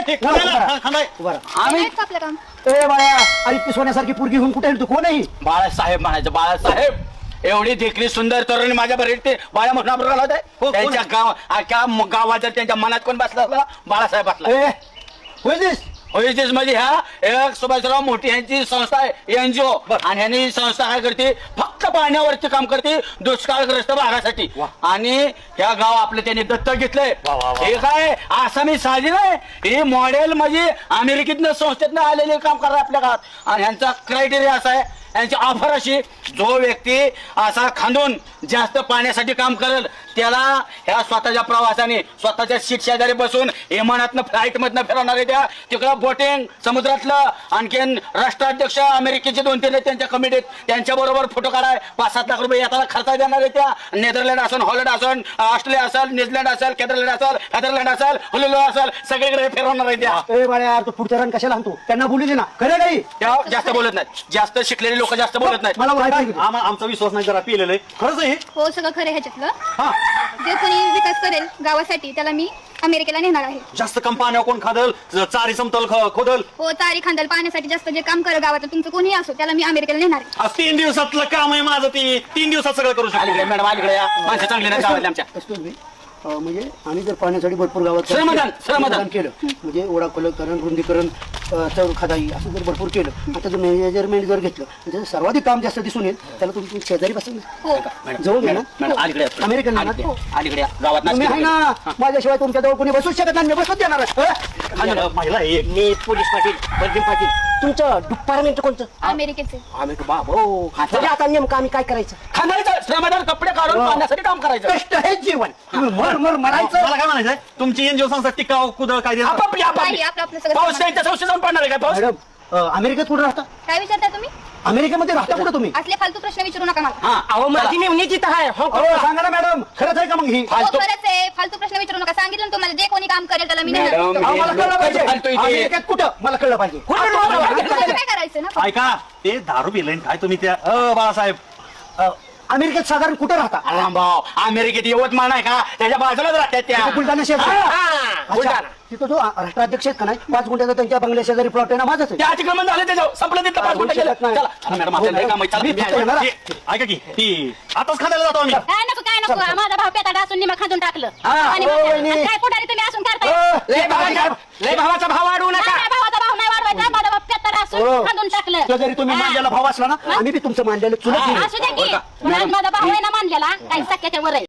आम्ही आपलं काम ए बाळा अरे ती सोन्यासारखी पुरगी होऊन कुठे तू कोण आहे? बाळासाहेब म्हणायचं बाळासाहेब एवढी देखणी सुंदर तरुणी माझ्या बरोबर ते बाळा म्हणून त्यांच्या गावात जर त्यांच्या मनात कोण बसला असला बाळासाहेब बसला. ए होईस होईच म्हणजे ह्या एक सुभाषराव मोठी यांची संस्था आहे एनजीओ आणि ह्यांनी संस्था काय करते फक्त पाण्यावरती काम करते दुष्काळग्रस्त भागासाठी आणि ह्या गाव आपलं त्यांनी दत्तक घेतलंय. हे काय आसामी साधी नाही हे मॉडेल म्हणजे अमेरिकेतनं संस्थेतनं आलेले काम करतात आपल्या गावात आणि ह्यांचा क्रायटेरिया असा आहे यांची ऑफर अशी जो व्यक्ती असा खांदून जास्त पाण्यासाठी काम करेल त्याला ह्या स्वतःच्या प्रवासाने स्वतःच्या सीट शेजारी बसून विमानातनं फ्लाईट मधनं फिरवणार आहे त्या तिकडं बोटिंग समुद्रातलं आणखीन राष्ट्राध्यक्ष अमेरिकेचे 2-3 आहेत त्यांच्या कमिटीत त्यांच्या बरोबर फोटो काढाय 5-7 लाख रुपये येताना खर्च देणार आहे त्या नेदरलँड असेल हॉलंड असेल ऑस्ट्रेलिया असेल न्यूझीलंड असेल केदरलँड असेल हेदरलँड असेल हुलुलो असेल सगळीकडे फिरवणार आहे त्या. ए बाळा तू पुढच्या रन कशाला आणतो त्यांना बोलू ना खरं काही त्या जास्त बोलत नाहीत जास्त शिकलेले लोक जास्त बोलत नाहीत. मला माहिती आमचा विश्वास नाही जरा पिलेलं आहे खरंच आहे. हो सगळं खरं ह्याच्यातलं जे कोणी विकास करेल गावासाठी त्याला मी अमेरिकेला नेणार आहे. जास्त कम पाण्यावर कोण खादल चारी समतल खोदल हो तारी खांदाल पाण्यासाठी जास्त जे काम करेल गावात तुमचं कोणी असो त्याला मी अमेरिकेला नेणार आहे. आज 3 दिवसातलं काम आहे माझं ती 3 दिवसात सगळं करू शकतो. अलीकडे मॅडम अलीकडे या माणसं चांगली नाही गावातली आमच्या. Excuse me. म्हणजे आम्ही जर पाण्यासाठी भरपूर गावात श्रमदान केलं म्हणजे ओढा खोलीकरण रुंदीकरण चौर खदाई असं जर भरपूर केलं आता जर मेजरमेंट जर घेतलं म्हणजे सर्वाधिक काम जास्त दिसून येईल त्याला तुम्ही शेजारी बसून जवळ घ्या ना. मॅडम अलीकडे या. अमेरिकन ना अलीकडे या. गावात तुम्ही आहे ना माझ्याशिवाय तुमच्या जवळ कोणी बसूच शकत नाही मी बसूच देणार महिला एक मी पोलीस पाटील बलजीम पाटील तुमचं डिपार्टमेंट कोणतं? अमेरिकेचे आम्ही बाबो आता नेमकं आम्ही काय करायचं? खाणारीचं श्रमदान कपडे काढून पाण्यासाठी काम करायचं. कष्ट हे जीवन तुम्ही मर मरायचं. मला काय म्हणायचंय तुमची एनजीओ संस्था टिकाव कुदळ काय देणार? आपापली नाही, आपलं सगळं पाऊस त्यांच्या संस्थेत जाऊन पडणार आहे काय पाऊस? मॅडम अमेरिकेत कुठं राहता? काय विचारता तुम्ही अमेरिकेमध्ये राहता कुठं तुम्ही? असले फालतू प्रश्न विचारू नका मला. हा अहो माझी नेमणी तिथं आहे सांगा ना मॅडम खरंच आहे का मग ही? हो, खरंच आहे फालतू प्रश्न विचारू नका सांगितलं ना तुम्हाला जे कोणी काम करेल त्याला मी नेणार. मॅडम, अहो, मला कळलं पाहिजे फालतू इथे. अमेरिकेत कुठं मला कळलं पाहिजे तुम्हाला काय करायचं ना ऐका ते दारू पिलं काय तुम्ही त्या बाळासाहेब अमेरिकेत साधारण कुठं राहता? भाऊ अमेरिकेत यवतमाळ नाही का त्याच्या बाजूलाच राहतात त्या. तिथं बुलढाणा शहर अच्छा. बुलढाणा. तिथं जो राष्ट्राध्यक्ष आहेत का नाही 5 गुंठ्याचा त्यांच्या बंगल्या शेजारी प्लॉट आहे ना माझाच आहे. ते अतिक्रमण झालं त्याच्यावर संपलं तिथं 5 मिनिटं गेलं. चला चला मॅडम आपल्याला लय काम आहे. चला, मी मी तिथं आहे. येणार. ऐका की ती आताच खाण्याला जातो आम्ही. काय नको माझा भाव पेताडा असून निमा खाजून टाकलं आणि हो, मग वहिनी. काय पुढारी तुम्ही असून करताय लय भावाचा भाव वाढवू नका. माझ्या भावाचा भाव नाही वाढवायचा माझा भाव पेताडा असून खाजून टाकलं तो जरी तुम्ही मानलेला भाव असला ना आम्ही बी तुमचं मानलेलं चुलत असू द्या की माझा भाव आहे ना मानलेला काही सख्याच्या वर आहे.